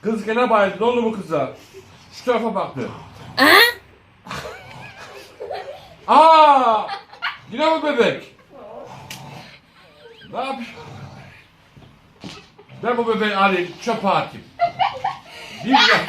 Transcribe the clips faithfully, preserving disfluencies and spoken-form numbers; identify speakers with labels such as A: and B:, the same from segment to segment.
A: Kız gene bayıldı. Ne oldu bu kıza? Şu tarafa baktı. Aa! Yine mi bebek? Ne yapayım? Ben bu bebeği alayım, çöpe atayım. Bir de...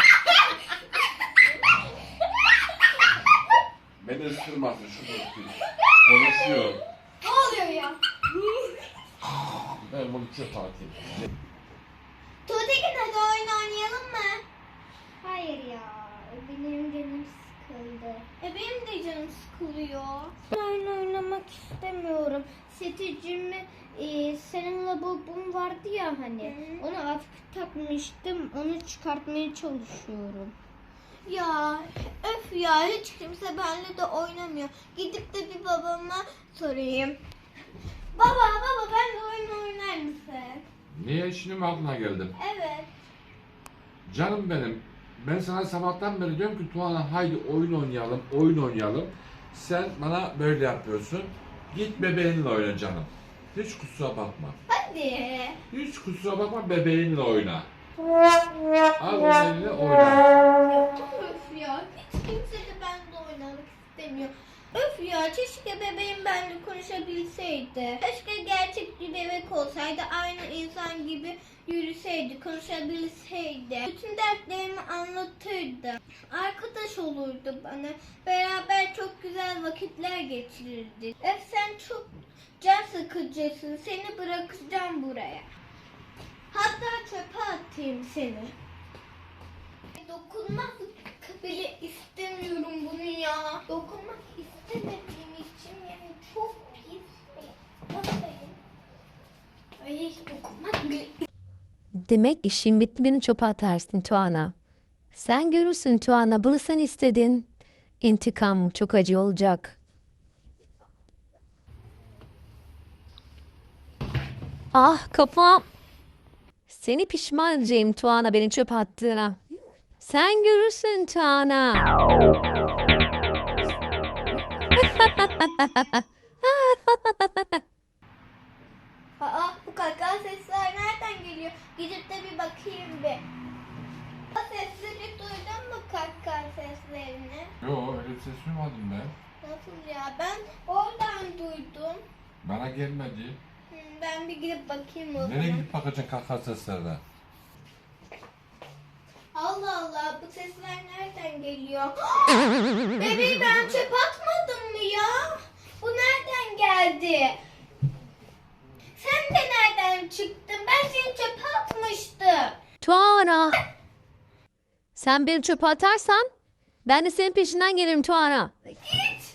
A: Beni ısırmasın şu bebek. Konuşuyor.
B: Ne oluyor ya?
A: Ben bunu çöpe atayım.
B: Tuğtekin hadi oyun oynayalım mı? Hayır ya. Benim canım sıkıldı. E benim de canım sıkılıyor. Oyun oynamak istemiyorum. Seticimi e, senin lavabon vardı ya hani. Hı. Onu hafif takmıştım. Onu çıkartmaya çalışıyorum. Ya öf ya hiç kimse benimle de oynamıyor. Gidip de bir babama sorayım. Baba baba ben de oyun oynar mısın?
A: Niye şimdi mi aklına geldim?
B: Evet.
A: Canım benim, ben sana sabahtan beri diyorum ki Tuana haydi oyun oynayalım, oyun oynayalım. Sen bana böyle yapıyorsun. Git bebeğinle oyna canım. Hiç kusura bakma.
B: Hadi.
A: Hiç kusura bakma, bebeğinle oyna. Al onu eline oyna.
B: Öf ya hiç kimse de benimle oynamak istemiyor. Öf ya keşke bebeğim benimle konuşabilseydi. Keşke gerçek bir bebek olsaydı, aynı insan gibi yürüseydi, konuşabilseydi. Bütün dertlerimi anlatırdı. Arkadaş olurdu bana. Beraber çok güzel vakitler geçirirdik. Öf sen çok can sıkıcısın. Seni bırakacağım buraya. Hatta çöpe atayım seni. Dokunmak bile istemiyorum bunu ya. Dokunmak istemediğim için yani çok pis bir hastayım. Ay dokunmak bile
C: Demek işin bitti, beni çöpe atarsın Tuana. Sen görürsün Tuana, bunu sen istedin. İntikam çok acı olacak. Ah kafam. Seni pişman edeceğim Tuana, beni çöpe attığına. Sen görürsün Tuana.
B: Aa bu kaka sesler nereden geliyor? Gidip de bir bakayım bir. O sesleri duydun mu kaka seslerini?
A: Yo, öyle bir ses duymadım ben.
B: Nasıl ya? Ben oradan duydum.
A: Bana gelmedi.
B: Hmm, Ben bir gidip bakayım o zaman.
A: Nereye gidip bakacaksın kaka seslerine?
B: Allah Allah bu sesler nereden geliyor? Bebeği ben çöpe atmadım mı ya? Bu nereden geldi? Sen de nereden çıktın? Ben seni çöpe atmıştım.
C: Tuana. Sen beni çöpe atarsan ben de senin peşinden gelirim Tuana.
B: Git.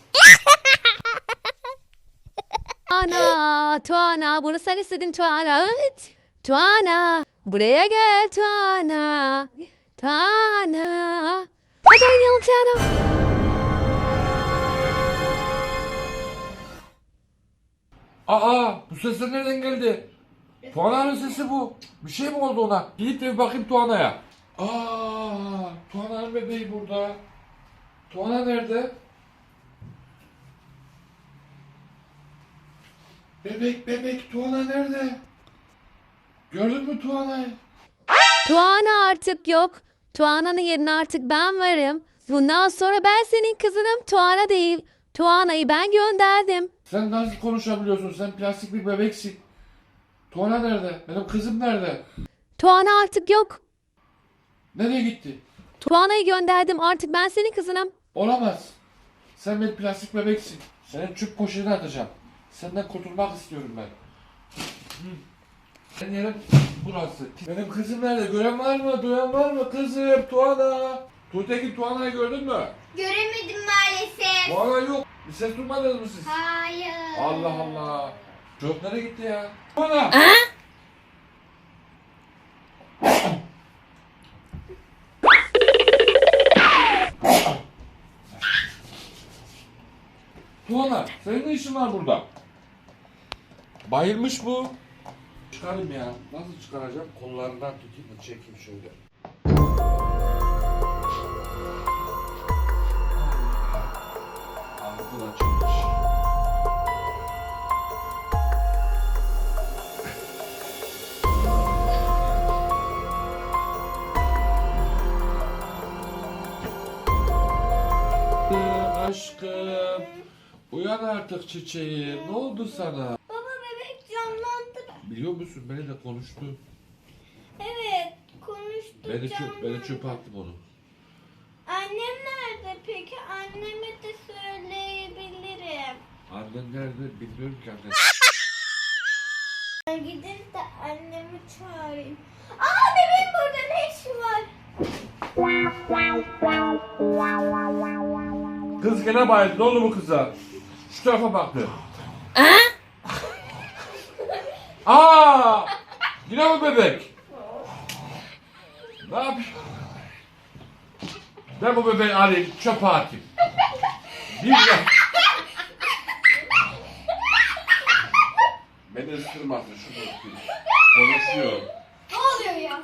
C: Tuana, Tuana, bunu sen istedin Tuana. Evet. Tuana, buraya gel Tuana. Tuana. Hadi oynayalım Tuana.
A: Aa, bu sesler nereden geldi? Tuana'nın sesi bu. Bir şey mi oldu ona? Gidip de bir bakayım Tuana'ya. Aa, Tuana'nın bebeği burada. Tuana nerede? Bebek bebek Tuana nerede? Gördün mü Tuana'yı?
C: Tuana artık yok. Tuana'nın yerine artık ben varım. Bundan sonra ben senin kızınım, Tuana değil. Tuana'yı ben gönderdim.
A: Sen nasıl konuşabiliyorsun? Sen plastik bir bebeksin. Tuana nerede? Benim kızım nerede?
C: Tuana artık yok.
A: Nereye gitti?
C: Tuana'yı gönderdim, artık ben senin kızınım.
A: Olamaz. Sen bir plastik bebeksin. Senin çöp poşetine atacağım. Senden kurtulmak istiyorum ben. Benim yerim burası. Benim kızım nerede? Gören var mı? Duyan var mı? Kızım, Tuana. Tuğtekin, Tuana'yı gördün mü?
B: Göremedim maalesef.
A: Tuana yok. Bir ses duymadınız mı siz?
B: Hayır.
A: Allah Allah. Çöp nereye gitti ya? Tuana. Tuana, senin ne işin var burada? Bayılmış bu. Çıkarayım ya. Nasıl çıkaracağım? Kollarından tutayım da çekeyim şöyle. Ağzı açılmış. Aşkım. Uyan artık çiçeğim. Ne oldu sana?
B: Baba bebek canlandı.
A: Biliyor musun beni de konuştu.
B: Evet konuştu
A: Beni çöp,
B: canlandı.
A: beni çöpe attım onu.
B: Annem nerede peki? Anneme de söyleyebilirim.
A: Annen nerede bilmiyorum ki annen.
B: Ben gidip de annemi çağırayım. Aa bebeğim burada ne işi var?
A: Kız gene bayıldı. Ne oldu bu kıza? Şu tarafa baktı. Aa! Yine mi bebek? Ne yapıyorsun? Ben bu bebeği alayım, çöpe atayım. Bir de... Beni ısırmasın, şunu ısırayım. Konuşuyor.
B: Ne oluyor ya?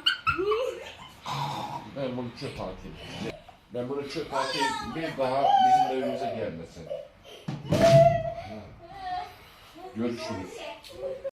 A: Ben bunu çöpe atayım. Ben bunu çöpe atayım, bir daha bizim evimize gelmesin. Görüşürüz.